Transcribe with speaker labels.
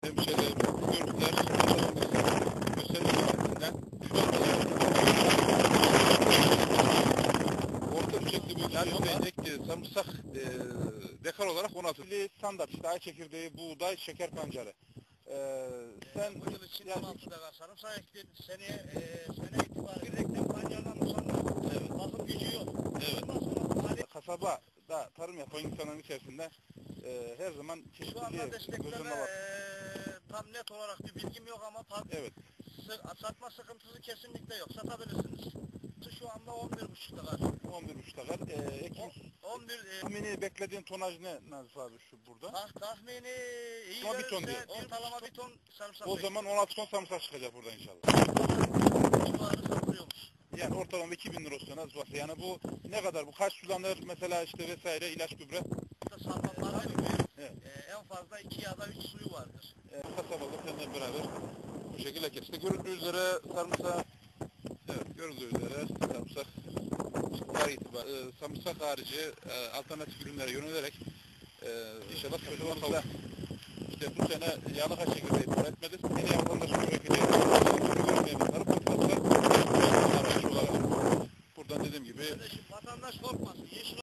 Speaker 1: Hemşehrilerim, bu görüntüler vatandaşların gösterilen şu anda orta ölçekli bir yani ektiği sarımsak dekar olarak 16 standart işte ay çekirdeği, buğday, şeker pancarı. Sen
Speaker 2: bu yıl için 16 dekar sarımsak ektin. Sene itibariyle reklam pancardan usandı.
Speaker 1: evet.
Speaker 2: Bakım gücü yok.
Speaker 1: Evet.
Speaker 2: Ondan sonra
Speaker 1: Kasabada tarım yapan insanların içerisinde her zaman
Speaker 2: şu anda
Speaker 1: çeşitliliğe
Speaker 2: destekleme
Speaker 1: gözünde var.
Speaker 2: tam net olarak bir bilgim yok ama
Speaker 1: Evet.
Speaker 2: satma sıkıntısı kesinlikle yok. Satabilirsiniz. Şu anda 11,5 dekar.
Speaker 1: 11,5 dekar. Ekim
Speaker 2: 11
Speaker 1: tahmini beklediğin tonaj ne Nazif abi şu burada?
Speaker 2: tahmini iyi
Speaker 1: Ama bir ton
Speaker 2: verirse
Speaker 1: diyor.
Speaker 2: ortalama bir ton sarımsak
Speaker 1: O zaman 16 ton sarımsak çıkacak burada inşallah.
Speaker 2: civarı satılıyormuş.
Speaker 1: Yani ortalama 2000 lira olsa Nazif abi. Yani bu ne kadar? Bu kaç sulanır mesela işte vesaire ilaç gübre?
Speaker 2: Salmalar
Speaker 1: Evet.
Speaker 2: en fazla 2 ya da 3 suyu vardır.
Speaker 1: Kasabada seninle beraber bu şekilde ekip. İşte görüldüğü üzere sarımsak, evet görüldüğü üzere sarımsak sarımsak harici alternatif ürünlere yönelerek inşallah kasabamızda işte bu sene yağlıka çekirdeği üretmedi. Yine vatandaşın üreteceği görülmeyen tarım politikası araç olarak buradan dediğim gibi
Speaker 2: Vatandaş korkmasın.